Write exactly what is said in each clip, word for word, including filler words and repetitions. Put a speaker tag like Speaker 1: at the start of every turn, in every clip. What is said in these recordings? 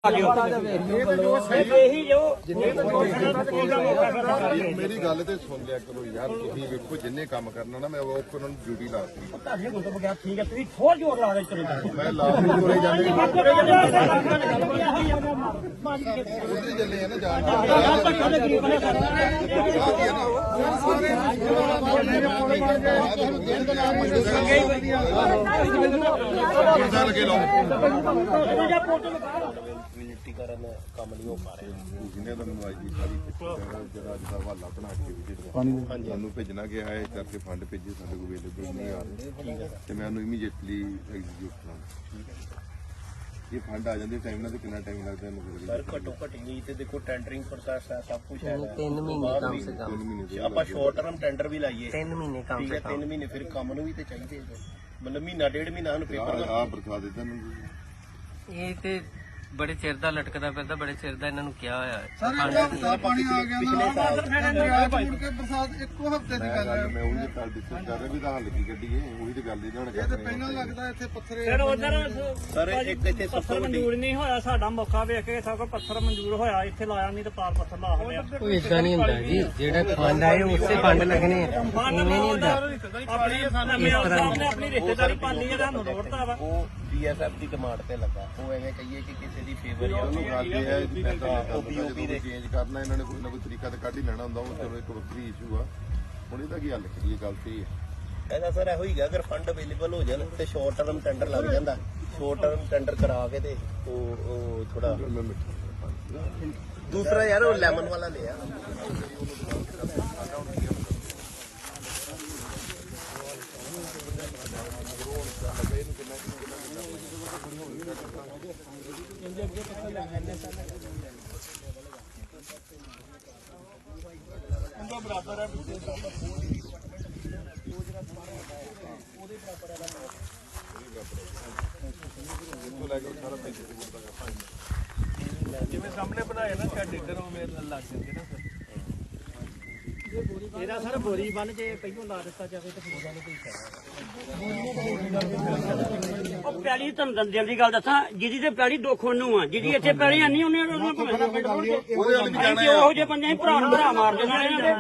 Speaker 1: मेरी गल तो सुन लिया करो यार, तुम वेखो जिन्हें काम करना ना मैं वो उन्होंने ड्यूटी ला दी।
Speaker 2: ठीक है थोड़ा जोर ला रहे
Speaker 1: मैं ला तुरे जाने चले है ना जान लगे लो ਕੰਮ ਨਹੀਂ ਹੋ ਪਾ ਰਿਹਾ। ਜਿਹਨੇ ਤਾਂ ਮੈਨੂੰ ਅੱਜ ਦੀ ਸਾਰੀ ਜਿਹੜਾ ਅੱਜ ਦਾ ਹਵਾਲਾ ਬਣਾ ਕੇ ਸਾਨੂੰ ਭੇਜਣਾ ਗਿਆ ਹੈ ਕਰਕੇ ਫੰਡ ਭੇਜੇ ਸਾਡੇ ਕੋਲ ਅਵੇਲੇਬਲ ਨਹੀਂ ਆ ਰਹੇ ਤੇ ਮੈਂ ਉਹਨੂੰ ਇਮੀਡੀਏਟਲੀ ਐਗਜ਼ੀਕਿਊਟ ਕਰਾਂਗਾ। ਇਹ ਫੰਡ ਆ ਜਾਂਦੇ ਟਾਈਮ ਨਾਲ ਤੇ ਕਿੰਨਾ ਟਾਈਮ ਲੱਗਦਾ ਇਹਨੂੰ? ਸਰ ਘੱਟੋ ਘੱਟ ਨਹੀਂ ਤੇ ਦੇਖੋ ਟੈਂਡਰਿੰਗ ਪ੍ਰੋਸੈਸ ਹੈ, ਸਭ ਕੁਝ ਹੈ। ਤਿੰਨ ਮਹੀਨੇ ਕਮ ਸੇ ਕਮ ਆਪਾਂ ਸ਼ਾਰਟ ਟਰਮ ਟੈਂਡਰ ਵੀ ਲਾਈਏ ਤਿੰਨ ਮਹੀਨੇ ਕਮ ਸੇ ਕਮ ਤਿੰਨ ਮਹੀਨੇ ਫਿਰ ਕੰਮ ਨੂੰ ਵੀ ਤੇ ਚਾਹੀਦੇ ਮਤਲਬ ਮਹੀਨਾ ਡੇਢ ਮਹੀਨਾ ਸਾਨੂੰ ਪੇਪਰ ਆ ਬਰਖਾ ਦਿੱਤਾ ਮੈਨੂੰ ਇਹ ਤੇ बड़े चिर का लटकदा फिरदा बड़े चिर का इन्होंने क्या होया है सर पानी आ गया बरसात इक्को हफ्ते की गल है। मैं वही गल डिस्कस कर रहा भी दा हल की गड्डी है वही ते गल इन्होंने ये ते पहला लगदा इथे पत्थर सर उधर सर एक इथे पत्थर मंजूर नहीं होया साडा मौका वेख के सब को पत्थर मंजूर होया इथे लाया नहीं ते पार पत्थर ला होया कोई इदा नहीं हुंदा जी जेड़ा फंड आए उससे फंड लगने हैं इवें नहीं हुंदा अपनी सामने अपनी रिश्तेदारी पाली है सानू रोड़ता वा बीएसएफ की डिमांड पे लगा वो एवें कहिए कि किसी दी फेवर या ਉਹਨੂੰ ਕਰਦੇ ਆ ਜੀ ਪੈਸਾ ਓਪੀਓਪੀ ਦੇ ਚੇਂਜ ਕਰਨਾ ਇਹਨਾਂ ਨੇ ਕੋਈ ਨਾ ਕੋਈ ਤਰੀਕਾ ਤੇ ਕੱਢ ਹੀ ਲੈਣਾ ਹੁੰਦਾ ਉਹ ਚਲੋ ਇੱਕ ਵੱਖਰੀ ਇਸ਼ੂ ਆ। ਹੁਣ ਇਹਦਾ ਕੀ ਹੱਲ ਕਰੀਏ? ਗੱਲ ਤੇ ਇਹਦਾ ਸਰ ਇਹੋ ਹੀ ਹੈ ਅਗਰ ਫੰਡ ਅਵੇਲੇਬਲ ਹੋ ਜਾਣ ਤੇ ਸ਼ਾਰਟ ਟਰਮ ਟੈਂਡਰ ਲੱਗ ਜਾਂਦਾ ਸ਼ਾਰਟ ਟਰਮ ਟੈਂਡਰ ਕਰਾ ਕੇ ਤੇ ਉਹ ਉਹ ਥੋੜਾ ਦੂਸਰਾ ਯਾਰ ਉਹ ਲੈਮਨ ਵਾਲਾ ਲਿਆ बराबर है जिवें सामने बनाए ना शैड इधर उवें लग जाते ना सर ਇਹਦਾ ਸਰ ਬੋਰੀ ਬੰਨ ਜੇ ਪਹਿਲੋਂ ਲਾ ਦਿੱਤਾ ਜਾਵੇ ਤਾਂ ਫਿਰ ਗੱਲ ਕੋਈ ਫਾਇਦਾ ਉਹ ਪੈਲੀ ਤੁਹਾਨੂੰ ਦੰਦਿਆਂ ਦੀ ਗੱਲ ਦੱਸਾਂ ਜਿਹਦੀ ਤੇ ਪੈਲੀ ਦੁੱਖ ਉਹਨੂੰ ਆ ਜਿਹਦੀ ਇੱਥੇ ਪੈਲੀ ਆਨੀ ਉਹਨੇ ਉਹਦੇ ਉਹੋ ਜਿਹੇ ਬੰਦੇ ਭਰਾ ਨੂੰ ਭਰਾ ਮਾਰ ਦੇਣਾ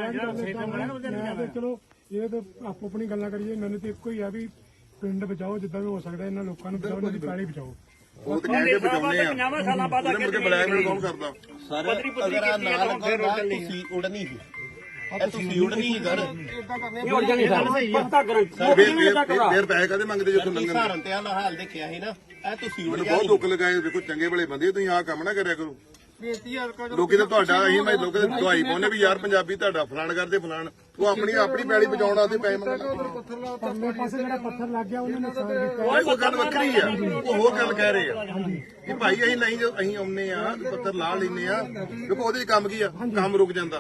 Speaker 3: ਚਲੋ ਇਹ ਤਾਂ ਆਪੋ ਆਪਣੀ ਗੱਲਾਂ ਕਰੀਏ ਮੈਨੂੰ ਤੇ ਇੱਕੋ ਹੀ ਆ ਵੀ ਪਿੰਡ ਬਚਾਓ ਜਿੱਦਾਂ ਵੀ ਹੋ ਸਕਦਾ ਇਹਨਾਂ ਲੋਕਾਂ ਨੂੰ ਬਚਾਓ ਇਹਨਾਂ ਦੀ ਪੈਲੀ ਬਚਾਓ। ਉਹ ਤੇ ਕਹਿੰਦੇ ਬਚਾਉਣੇ ਆ ਪੰਜਾਹ ਸਾਲਾਂ ਬਾਅਦ ਅੱਗੇ ਮੁੜ ਕੇ ਬਲੈਕਮੇਲ ਕੌਣ ਕਰਦਾ ਸਰ ਅਗਰ ਆ ਨਾ ਲੱਗਦਾ ਤੁਸੀਂ ਉੜਨੀ ਸੀ ਤੁਸੀਂ ਉੜਨੀ ਸੀ ਸਰ ਉੜ ਜਾਣੀ ਸਰ ਪੱਕਾ ਗਰੰਟੀ ਫੇਰ ਪੈਸੇ ਕਦੇ ਮੰਗਦੇ ਜਦੋਂ ਲੰਗਣ ਸਹਾਰਨ ਤੇ ਆ ਹਾਲ ਦੇਖਿਆ ਸੀ ਨਾ ਇਹ ਤੁਸੀਂ ਉੜ ਜਾਣੀ ਬਹੁਤ ਦੁੱਖ ਲਗਾਏ ਦੇਖੋ ਚੰਗੇ ਭਲੇ ਬੰਦੇ ਤੁਸੀਂ ਆਹ ਕੰਮ ਨਾ ਕਰਿਆ ਕਰੋ ਲੋਕੀ ਤਾਂ ਤੁਹਾਡਾ ਅਸੀਂ ਮੈਂ ਲੋਕਾਂ ਦੀ ਦਵਾਈ ਪਾਉਨੇ ਵੀ ਯਾਰ ਪੰਜਾਬੀ ਤੁਹਾਡਾ ਫਲਾਣ ਕਰਦੇ ਫਲਾਣ ਉਹ ਆਪਣੀ ਆਪਣੀ ਪੈਲੀ ਬਚਾਉਣ ਵਾਸਤੇ ਪੈਸੇ ਮੰਗਦਾ ਪਰਲੇ ਪਾਸੇ ਜਿਹੜਾ ਪੱਥਰ ਲੱਗ ਗਿਆ ਉਹਨੇ ਨੁਕਸਾਨ ਕੀਤਾ
Speaker 1: ਉਹ ਗੱਲ ਵੱਖਰੀ ਆ ਉਹ ਹੋਰ ਗੱਲ ਕਹਿ ਰਹੇ ਆ ਕਿ ਭਾਈ ਅਸੀਂ ਨਹੀਂ ਜੋ ਅਸੀਂ ਆਉਨੇ ਆ ਪੱਥਰ ਲਾ ਲੈਨੇ ਆ ਦੇਖੋ ਉਹਦੇ ਚ ਕੰਮ ਕੀ ਆ ਕੰਮ ਰੁਕ ਜਾਂਦਾ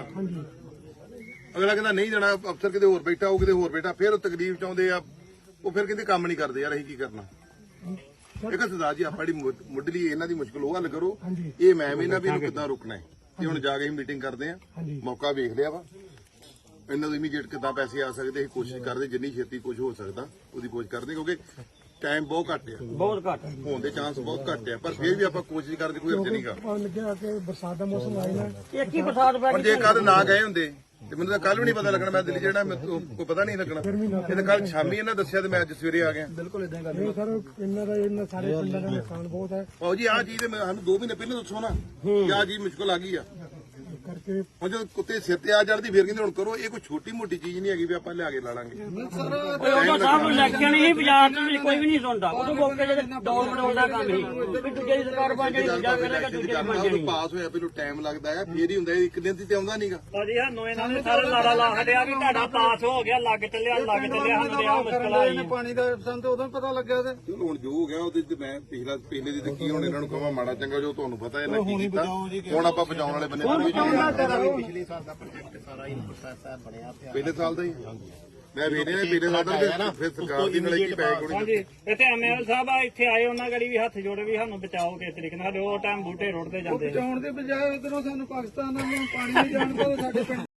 Speaker 1: ਅਗਲਾ ਕਹਿੰਦਾ ਨਹੀਂ ਜਾਣਾ ਅਫਸਰ ਕਿਤੇ ਹੋਰ ਬੈਠਾ ਉਹ ਕਿਤੇ ਹੋਰ ਬੈਠਾ ਫਿਰ ਉਹ ਤਕਲੀਫ ਚਾਹੁੰਦੇ ਆ ਉਹ ਫਿਰ ਕਹਿੰਦੇ ਕੰਮ ਨਹੀਂ ਕਰਦੇ ਯਾਰ ਅਸੀਂ ਕੀ ਕਰਨਾ। ਇੱਕ ਸਰਦਾਰ ਜੀ ਆਪਾਂ ਜਿਹੜੀ ਮੁੱਢਲੀ ਇਹਨਾਂ ਦੀ ਮੁਸ਼ਕਲ ਉਹ ਹੱਲ ਕਰੋ ਇਹ ਮੈਂ ਵੀ ਨਾ ਵੀ ਇਹਨੂੰ ਕਿੱਦਾਂ ਰੁਕਣਾ ਹੈ ਤੇ ਹੁਣ ਜਾ ਕੇ ਅਸੀਂ ਮੀਟਿੰਗ ਕਰਦੇ ਆ ਮੌਕਾ ਵੇਖ ਲਿਆ ਵਾ ਇਹਨਾਂ ਨੂੰ ਇਮੀਡੀਏਟ ਕਿੱਦਾਂ ਪੈਸੇ ਆ ਸਕਦੇ ਅਸੀਂ ਕੋਸ਼ਿਸ਼ ਕਰਦੇ ਜਿੰਨੀ ਛੇਤੀ ਕੁਝ ਹੋ ਸਕਦਾ ਉਹਦੀ ਕੋਸ਼ਿਸ਼ ਕਰਦੇ ਕਿਉਂਕਿ ਟਾਈਮ ਬਹੁਤ ਘੱਟ ਆ
Speaker 2: ਬਹੁਤ ਘੱਟ
Speaker 1: ਹੋਣ ਦੇ ਚਾਂਸ ਬਹੁਤ ਘੱਟ ਆ ਪਰ ਫਿਰ ਵੀ ਆਪਾਂ ਕੋਸ਼ਿਸ਼ ਕਰਦੇ ਕੋਈ ਅਰਜ ਨਹੀਂਗਾ
Speaker 3: ਲੱਗਿਆ ਕਿ ਬਰਸਾਤ ਦਾ ਮੌਸਮ ਆਇਆ ਨਾ
Speaker 2: ਇੱਕ ਹੀ ਬਰਸਾਤ ਪੈ
Speaker 1: ਪਰ ਜੇ ਕੱਲ ਨਾ ਗਏ ਹੁੰਦੇ ਤੇ ਮੈਨੂੰ ਤਾਂ ਕੱਲ ਵੀ ਨਹੀਂ ਪਤਾ ਲੱਗਣਾ ਮੈਂ ਦਿੱਲੀ ਜਿਹੜਾ ਕੋਈ ਪਤਾ ਨਹੀਂ ਲੱਗਣਾ ਇਹ ਤਾਂ ਕੱਲ ਸ਼ਾਮੀ ਇਹਨਾਂ ਦੱਸਿਆ ਤੇ ਮੈਂ ਅੱਜ ਸਵੇਰੇ ਆ ਗਿਆ। ਬਿਲਕੁਲ ਇਦਾਂ ਗੱਲ
Speaker 3: ਇਹ ਸਰ ਇਹਨਾਂ ਦਾ ਇਹਨਾਂ ਸਾਰੇ ਪਿੰਡਾਂ ਦਾ ਨੁਕਸਾਨ ਬਹੁਤ ਹੈ।
Speaker 1: ਆਓ ਜੀ ਆਹ ਚੀਜ਼ ਤੇ ਸਾਨੂੰ ਦੋ ਮਹੀਨੇ ਪਹਿਲਾਂ ਦੱਸੋ ਨਾ ਕਿ ਆਹ ਚੀਜ਼ ਮੁਸ਼ਕਲ ਆ ਗਈ ਆ
Speaker 3: ਕਰਕੇ
Speaker 1: ਹੁਣ ਜਦੋਂ ਕੁੱਤੇ ਸਿਰ ਤੇ ਆ ਚੜਦੀ ਫਿਰ ਕਹਿੰਦੇ ਹੁਣ ਕਰੋ ਇਹ ਕੋਈ ਛੋਟੀ ਮੋਟੀ ਚੀਜ਼ ਨਹੀਂ ਹੈਗੀ ਵੀ ਆਪਾਂ ਲਿਆ ਕੇ ਲਾ ਲਾਂਗੇ।
Speaker 2: ਉਹ ਸਾਹਿਬ ਇਲੈਕਸ਼ਨ ਹੀ ਬਾਜ਼ਾਰ ਚ ਕੋਈ ਵੀ ਨਹੀਂ ਸੁਣਦਾ ਉਹ ਮੌਕੇ ਜਿਹੜੇ ਡੋਲ ਮਡੋਲ ਦਾ ਕੰਮ ਹੀ ਵੀ ਦੂਜੇ ਦੀ ਸਰਕਾਰ ਬਣ ਜਾਣੀ ਦੂਜਾ ਕਰੇਗਾ ਦੂਜੇ ਦੀ ਬਣ ਜਾਣੀ
Speaker 1: ਪਾਸ ਹੋਇਆ ਪਹਿਲਾਂ ਟਾਈਮ ਲੱਗਦਾ ਹੈ ਫੇਰ ਹੀ ਹੁੰਦਾ ਇੱਕ ਦਿਨ ਤੇ ਆਉਂਦਾ ਨਹੀਂਗਾ।
Speaker 2: ਭਾਜੀ ਸਾਨੂੰ ਇਹਨਾਂ ਨੇ ਸਾਰੇ ਨਾਰਾ ਲਾ ਛੱਡਿਆ ਵੀ ਤੁਹਾਡਾ ਪਾਸ ਹੋ ਗਿਆ ਲੱਗ ਚੱਲਿਆ ਲੱਗ ਚੱਲਿਆ ਸਾਨੂੰ ਤੇ ਆ ਮੁਸ਼ਕਲ ਆਈ
Speaker 3: ਪਾਣੀ ਦਾ ਸਾਨੂੰ ਤੇ ਉਦੋਂ ਪਤਾ ਲੱਗਿਆ ਤੇ
Speaker 1: ਚਲੋ ਹੁਣ ਜੋ ਹੋ ਗਿਆ ਉਹਦੇ ਚ ਮੈਂ ਪਿਛਲਾ ਪਿਛਲੇ ਦੀ ਤੇ ਕੀ ਹੁਣ ਇਹਨਾਂ ਨੂੰ ਕਹਾਂ ਮਾੜਾ ਚੰਗਾ ਜੋ ਤੁਹਾਨੂੰ ਪਤਾ ਇਹਨਾਂ ਕੀ ਕੀਤਾ ਹੁਣ ਆਪਾਂ ਬਚਾਉਣ ਵਾਲੇ ਬੰਦੇ ਪਿਛਲੇ ਸਾਲ ਦਾ ਪ੍ਰੋਜੈਕਟ ਸਾਰਾ ਹੀ ਪ੍ਰੋਸੈਸ ਬਣਿਆ ਪਿਆ ਪਹਿਲੇ ਸਾਲ ਦਾ ਹੀ ਮੈਂ ਵੇਖਦੇ ਨੇ ਪਿਛਲੇ ਸਾਲ ਦਾ ਫਿਰ ਸਰਕਾਰ ਦੀ ਲੜਾਈ ਪੈ ਗਈ।
Speaker 2: ਹਾਂਜੀ ਇੱਥੇ ਐਮਐਲ ਸਾਹਿਬ ਆ ਇੱਥੇ ਆਏ ਉਹਨਾਂ ਗੜੀ ਵੀ ਹੱਥ ਜੋੜੇ ਵੀ ਸਾਨੂੰ ਬਚਾਓ ਕਿਸ ਤਰੀਕੇ ਨਾਲ ਉਹ ਟਾਈਮ ਬੂਟੇ ਰੋੜਦੇ ਜਾਂਦੇ
Speaker 3: ਬਚਾਉਣ ਦੇ ਬਜਾਏ ਉਧਰੋਂ ਸਾਨੂੰ ਪਾਕਿਸਤਾਨ ਵੱਲੋਂ ਪਾਣੀ ਨਹੀਂ ਜਾਣ ਦਿੰਦੇ ਸਾਡੇ ਪਿੰਡ